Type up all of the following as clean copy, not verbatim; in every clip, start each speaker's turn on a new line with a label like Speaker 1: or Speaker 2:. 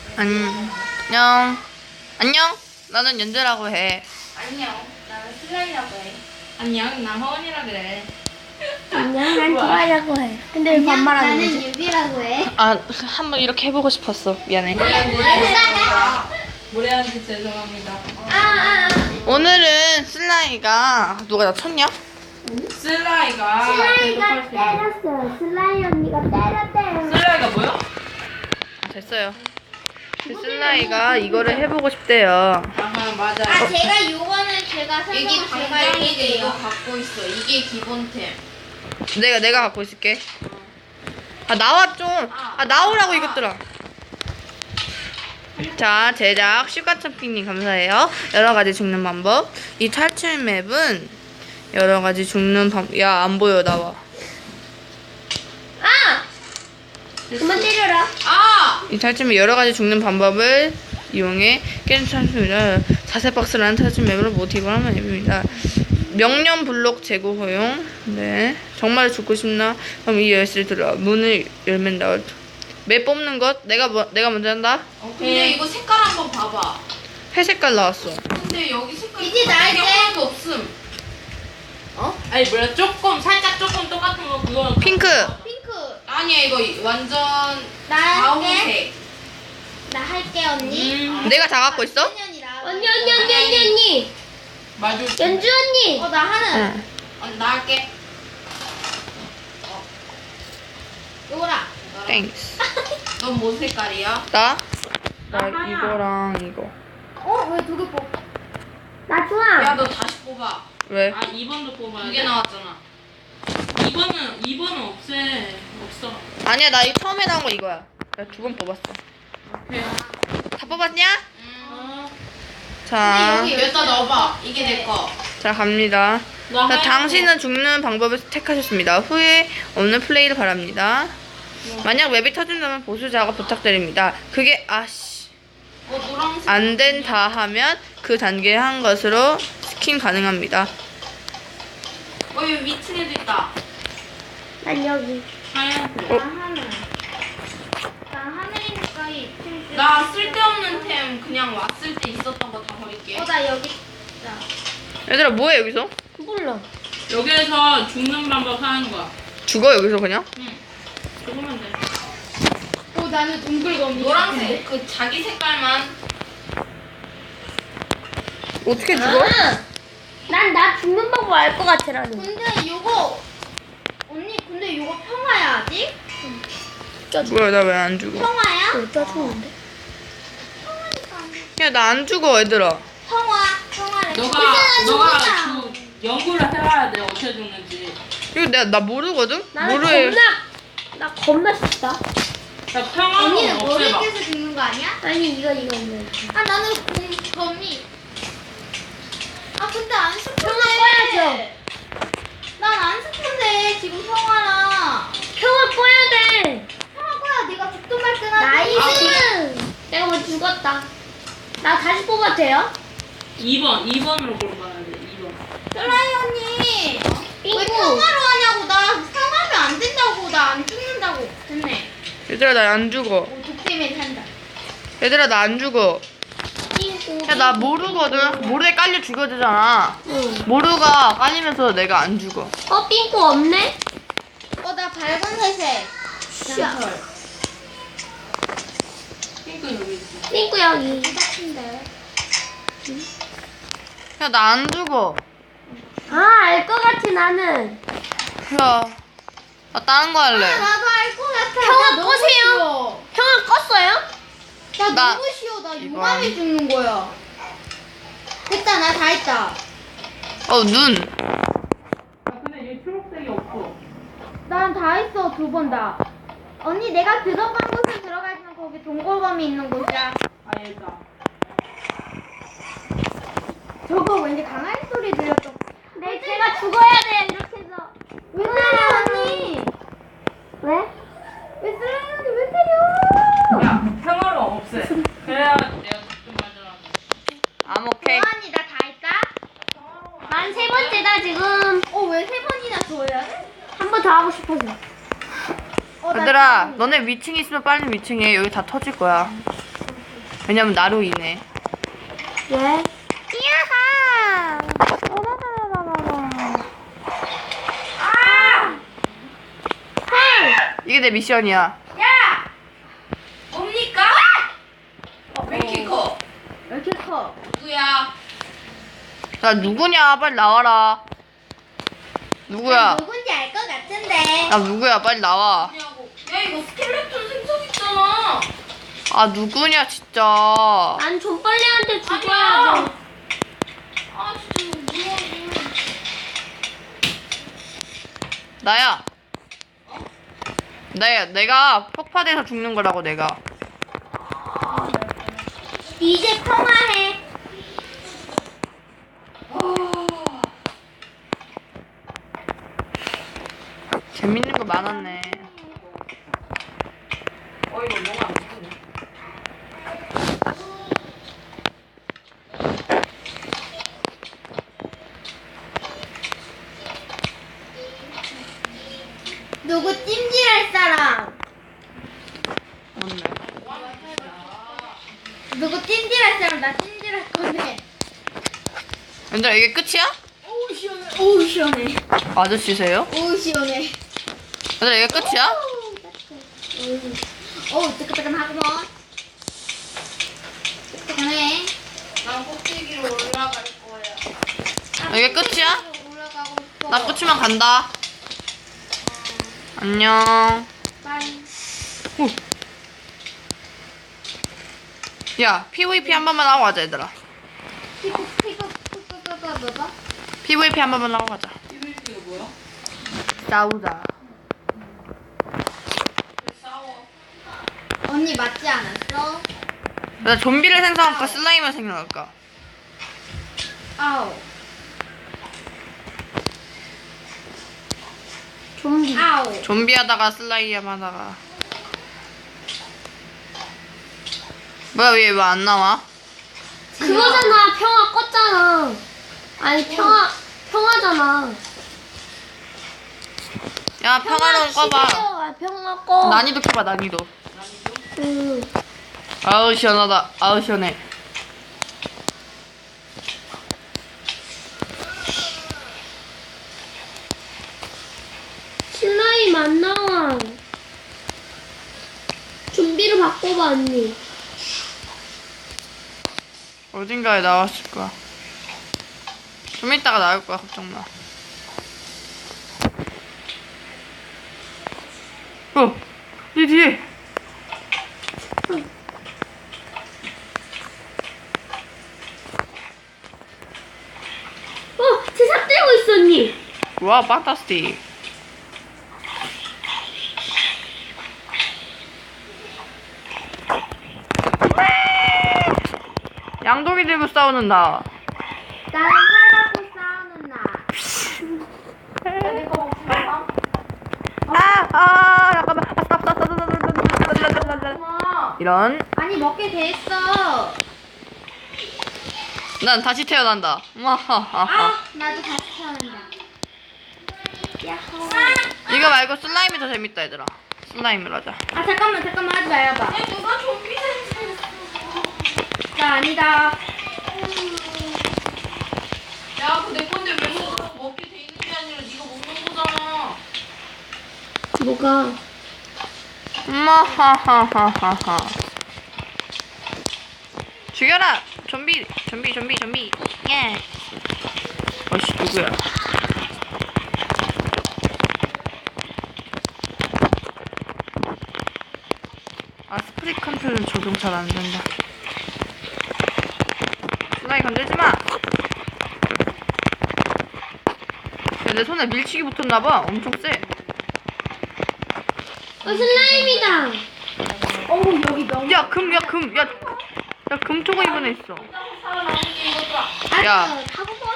Speaker 1: 안녕. 안녕. 나는 연재라고 해.
Speaker 2: 안녕. 나는 슬라이라고 해. 안녕. 나 허원이라 그래.
Speaker 3: 안녕, 난 좋아하려고 해. 근데 왜 반말하는
Speaker 4: 나는
Speaker 3: 거지?
Speaker 4: 유비라고 해.
Speaker 1: 아, 한번 이렇게 해보고 싶었어. 미안해.
Speaker 2: 모래한테 죄송합니다.
Speaker 1: 오늘은 슬라이가 누가 나 쳤냐?
Speaker 2: 슬라이가
Speaker 3: 슬라이가 때렸어요. 슬라이 언니가 때렸대요.
Speaker 2: 슬라이가 뭐요?
Speaker 1: 아, 됐어요. 그 슬라이가 이거를 해보고 싶대요.
Speaker 2: 아하 맞아.
Speaker 4: 아, 제가 요거는 제가
Speaker 2: 여기
Speaker 4: 설명을 제가
Speaker 2: 당장이도 이거
Speaker 4: 해드릴게요.
Speaker 2: 갖고 있어. 이게 기본템.
Speaker 1: 내가 갖고 있을게. 아, 나와 좀. 아, 나오라고 이것들아. 자, 제작 슈가점핑님 감사해요. 여러가지 죽는 방법. 이 탈출 맵은 여러가지 죽는 방법. 야, 안 보여. 나와.
Speaker 3: 아! 그만 때려라.
Speaker 2: 아!
Speaker 1: 이 탈출맵 여러가지 죽는 방법을 이용해 게임 탈출입니다. 자세 박스라는 탈출 맵으로 모티브를 하는 맵입니다. 명령 블록 재고 허용. 네. 정말 죽고 싶나? 그럼 이 열쇠를 들어. 문을 열면 나올. 맵 뽑는 것 내가 먼저 한다.
Speaker 2: 근데 이거 색깔 한번 봐봐.
Speaker 1: 회색깔 나왔어.
Speaker 2: 근데 여기 색깔
Speaker 4: 이제 나이제.
Speaker 2: 하나도 없음. 어? 아니 뭐야 살짝 조금 똑같은 거 그거.
Speaker 1: 핑크.
Speaker 4: 핑크.
Speaker 2: 아니야 이거 완전
Speaker 4: 나 할게.
Speaker 2: 가오색.
Speaker 4: 나 할게, 언니.
Speaker 1: 내가 다 갖고 있어?
Speaker 3: 언니.
Speaker 2: 맞아.
Speaker 3: 연주 언니.
Speaker 4: 나 하는.
Speaker 1: 응.
Speaker 2: 나 할게.
Speaker 4: 요거라.
Speaker 1: 땡스.
Speaker 2: 넌 뭔 색깔이야?
Speaker 1: 나
Speaker 2: 하나.
Speaker 1: 이거랑 이거.
Speaker 4: 왜 두 개 뽑?
Speaker 3: 나 좋아.
Speaker 2: 야 너 다시 뽑아.
Speaker 1: 왜?
Speaker 5: 아 2번도 뽑아야
Speaker 2: 두
Speaker 5: 돼?
Speaker 2: 개 나왔잖아.
Speaker 5: 2번은 없어.
Speaker 1: 아니야, 나 이거 처음에 나온 거 이거야. 나 두 번 뽑았어.
Speaker 5: 오케이.
Speaker 1: 다 뽑았냐?
Speaker 5: 어.
Speaker 1: 자,
Speaker 2: 여기다 넣어봐. 이게 내 거.
Speaker 1: 자 갑니다.
Speaker 5: 나
Speaker 1: 자,
Speaker 5: 하얀
Speaker 1: 당신은 죽는 방법을 택하셨습니다. 후회 없는 플레이를 바랍니다. 만약 맵이 터진다면 보수 작업 부탁드립니다. 그게
Speaker 2: 노란색.
Speaker 1: 안 된다 하면 그 단계에 한 것으로 스킨 가능합니다.
Speaker 2: 여기 위층에도 있다.
Speaker 3: 난 여기.
Speaker 5: 하얀색.
Speaker 4: 나 하늘. 나 하늘이니까 이 핑크.
Speaker 2: 나 쓸데없는 템 그냥 왔을 때 있었던 거 다 버릴게.
Speaker 4: 나 여기.
Speaker 1: 얘들아 뭐해 여기서?
Speaker 3: 몰라.
Speaker 5: 여기에서 죽는 방법 하는 거야.
Speaker 1: 죽어 여기서 그냥?
Speaker 5: 죽으면 돼.
Speaker 4: 나는 동글거미.
Speaker 2: 노란색 그 자기 색깔만.
Speaker 1: 어떻게 죽어?
Speaker 3: 나 죽는 방법 알 것 같아, 나는.
Speaker 4: 근데 요거. 언니, 근데 요거 평화야, 아직?
Speaker 1: 뭐야 나 왜 안 죽어?
Speaker 4: 평화야?
Speaker 3: 어디다 죽는데?
Speaker 1: 야 나 안 죽어 얘들아.
Speaker 4: 평화래.
Speaker 5: 너가 연구를 해봐야 돼 어떻게 죽는지.
Speaker 1: 이거 나 모르거든?
Speaker 3: 나는
Speaker 1: 모르해.
Speaker 3: 나 겁나 쉽다.
Speaker 5: 자 평화로
Speaker 4: 언니는 머리
Speaker 5: 없애봐.
Speaker 4: 깨서 죽는 거 아니야?
Speaker 3: 아니, 이거.
Speaker 4: 나는 거미. 근데 안 스폰데.
Speaker 3: 평화 꺼야죠.
Speaker 4: 난 안 스폰데, 지금 평화라.
Speaker 3: 평화 꺼야 돼.
Speaker 4: 평화 거야, 내가 죽든 말든 하지.
Speaker 3: 나이스. 내가 뭐 죽었다. 나 다시 뽑아도 돼요?
Speaker 5: 2번으로 골라야 돼. 2번.
Speaker 4: 슬라이 언니. 왜
Speaker 3: 삥꾸.
Speaker 4: 평화로 하냐고. 나 평화하면 안 된다고. 나 안 죽는다고. 됐네.
Speaker 1: 얘들아 나 안 죽어.
Speaker 4: 독대맨 한다.
Speaker 1: 얘들아 나 안 죽어.
Speaker 3: 삥꾸.
Speaker 1: 야 나 모르거든. 모르에 깔려 죽어야 되잖아.
Speaker 3: 응.
Speaker 1: 모르가 깔리면서 내가 안 죽어.
Speaker 3: 삥꾸 없네?
Speaker 4: 나 밝은 회색.
Speaker 3: 샤.
Speaker 5: 핑크 여기 있어.
Speaker 3: 삥꾸 여기.
Speaker 4: 같은데.
Speaker 1: 야 나 안 죽어.
Speaker 3: 알 것 같아, 나는.
Speaker 1: 야, 나 다른 거 할래.
Speaker 4: 나도 알 것 같아.
Speaker 3: 평화
Speaker 4: 나 너무
Speaker 3: 꺼세요.
Speaker 4: 쉬워.
Speaker 3: 평화 껐어요?
Speaker 4: 나
Speaker 1: 나
Speaker 4: 너무 쉬워. 나
Speaker 1: 이번.
Speaker 4: 용암에 죽는 거야. 됐다. 나 다 했다.
Speaker 1: 눈.
Speaker 5: 근데 얘 초록색이 없어.
Speaker 4: 난 다 했어. 2번 다. 언니 내가 들어간 곳에 들어가지만 거기 동골범이 있는 곳이야.
Speaker 5: 아 얘다.
Speaker 4: 저거 왠지 강아지 소리 들렸어.
Speaker 3: 네, 제가 죽어야 돼, 이렇게 해서.
Speaker 4: 왜 때려 언니?
Speaker 3: 왜?
Speaker 4: 왜 때려 언니? 왜 때려?
Speaker 5: 야 평화로 없애. 그래야 내가 죽든 말든.
Speaker 1: I'm okay.
Speaker 4: 언니 나 다 했다.
Speaker 3: 난 세 번째다, 지금.
Speaker 4: 왜 3번이나 줘야 돼?
Speaker 3: 한 번 더 하고 싶어서.
Speaker 4: 나
Speaker 1: 얘들아, 너네 위층 있으면 빨리 위층에. 여기 다 터질 거야. 왜냐면 나로 인해.
Speaker 4: 왜? 이야하!
Speaker 1: 이게 내 미션이야.
Speaker 2: 뭡니까? 왜 이렇게 커?
Speaker 4: 왜 이렇게 커?
Speaker 2: 누구야?
Speaker 1: 나 누구냐? 빨리 나와라. 누구야?
Speaker 4: 누군지 알 것 같은데.
Speaker 1: 나 누구야? 빨리 나와.
Speaker 2: 누구냐고. 야 이거 스켈레톤 생성 있잖아.
Speaker 1: 아 누구냐 진짜.
Speaker 3: 난 존빨리한테 죽어야
Speaker 2: 아니야.
Speaker 3: 돼.
Speaker 2: 아 진짜 이거 뭐야.
Speaker 1: 나야. 내가 폭파돼서 죽는 거라고 내가.
Speaker 4: 이제 평화해.
Speaker 1: 재밌는 거 많았네.
Speaker 2: 이거 뭐가 안 되네.
Speaker 4: 누구 찜질할 사람?
Speaker 1: 맞네.
Speaker 4: 누구 찜질할 사람? 나 찜질할 건데.
Speaker 1: 얘들아 이게 끝이야?
Speaker 4: 오우 시원해. 오우 시원해.
Speaker 1: 아저씨세요?
Speaker 4: 오우 시원해.
Speaker 1: 얘들아 이게 끝이야?
Speaker 4: 어우 뜨끈뜨끈하구먼. 뜨끈해.
Speaker 2: 난 꼭대기로 올라갈 거야.
Speaker 1: 이게 끝이야?
Speaker 4: 올라가고 싶어.
Speaker 1: 나 끝이면 간다. 안녕.
Speaker 4: 빨리.
Speaker 1: 야 PVP 한 번만 하고 가자 얘들아.
Speaker 4: 피고.
Speaker 1: PVP 한 번만 하고 가자.
Speaker 2: PVP가 뭐야?
Speaker 1: 싸우자.
Speaker 2: 왜 싸워?
Speaker 4: 언니 맞지 않았어?
Speaker 1: 나 좀비를 생성할까 슬라임을 생성할까?
Speaker 4: 아우.
Speaker 3: 좀비.
Speaker 4: 아우.
Speaker 1: 좀비 하다가 슬라임 하다가. 뭐야 왜 안 나와?
Speaker 3: 그거잖아. 평화 껐잖아. 아니 평화잖아.
Speaker 1: 야 평화로운 꺼봐.
Speaker 3: 평화 꺼.
Speaker 1: 난이도 켜봐 난이도. 아우 시원하다. 아우 시원해.
Speaker 3: 슬라임 안 나와. 좀비로 바꿔봐 언니.
Speaker 1: 어딘가에 나왔을 거야. 좀 이따가 나올 거야 걱정 마. 네 뒤에.
Speaker 3: 쟤삽 들고 있어 언니.
Speaker 1: 와 판타스틱. 양동이 들고 싸우는 나.
Speaker 4: 나랑 활하고 싸우는 나.
Speaker 1: 잠깐만. 이런.
Speaker 4: 아니 먹게 됐어.
Speaker 1: 난 다시 태어난다.
Speaker 4: 아 나도 다시 태어난다. 야호.
Speaker 1: 이거 말고 슬라임이 더 재밌다 얘들아. 슬라임을 하자.
Speaker 4: 아 잠깐만 하지 말아봐.
Speaker 2: 누가 좀비 생성했어?
Speaker 4: 나 아니다.
Speaker 2: 야, 그 내 건데 왜 먹게 돼 있는 게 아니라 네가 먹는 거잖아.
Speaker 3: 뭐가?
Speaker 1: 하하하하하. 죽여라. 좀비. 예. 어씨 누구야? 아 스프릿 컨트롤은 적용 잘 안 된다. 슬라임 건들지 마. 야, 내 손에 밀치기 붙었나봐. 엄청 세.
Speaker 3: 슬라임이다.
Speaker 4: 어우 여기 너무.
Speaker 1: 야 금토가 이번에 있어.
Speaker 2: 살아남은 게 이것도
Speaker 1: 야.
Speaker 4: 가보고.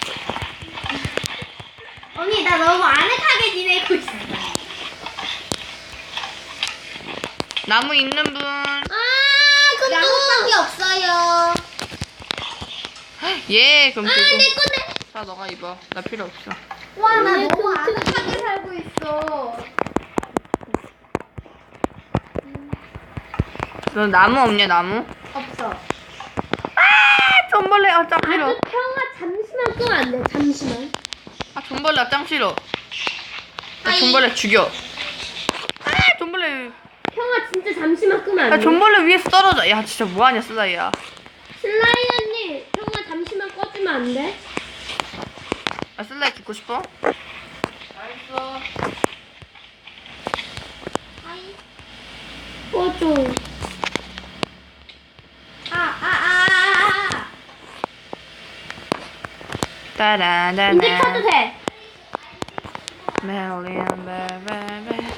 Speaker 4: 언니 나 너무 아늑하게 지내고 있어.
Speaker 1: 나무 있는 분.
Speaker 4: 나뭇밖에 없어요.
Speaker 1: 예, 그럼
Speaker 3: 내
Speaker 1: 들고.
Speaker 3: 건데.
Speaker 1: 자, 너가 입어. 나 필요 없어.
Speaker 4: 와 나 너무 아늑하게 살고 있어.
Speaker 1: 너 나무 없냐, 나무?
Speaker 4: 없어.
Speaker 1: 짱 싫어.
Speaker 3: 아주 평화 잠시만 끄면 안 돼. 잠시만.
Speaker 1: 아 존벌레 짱 싫어. 나 존벌레 죽여. 아 존벌레.
Speaker 3: 평화 진짜 잠시만 끄면 안
Speaker 1: 야
Speaker 3: 돼.
Speaker 1: 존벌레 위에서 떨어져. 야 진짜 뭐하냐 슬라이야.
Speaker 3: 슬라이 언니 평화 잠시만 꺼주면 안 돼?
Speaker 1: 아 슬라이 죽고 싶어?
Speaker 5: 알았어.
Speaker 3: 꺼줘.
Speaker 1: 따라라라.
Speaker 3: 이제 켜도 돼.
Speaker 1: 멜리언 베베베.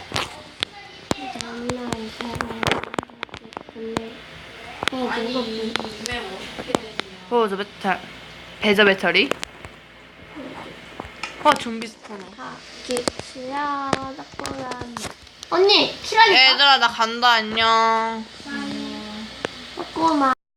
Speaker 5: 아니 이메 어떻게 되냐.
Speaker 1: 보조 배터 배저 배터리. 좀비 스포너.
Speaker 3: 언니 키라니까.
Speaker 1: 얘들아 나 간다 안녕.
Speaker 3: 조금만.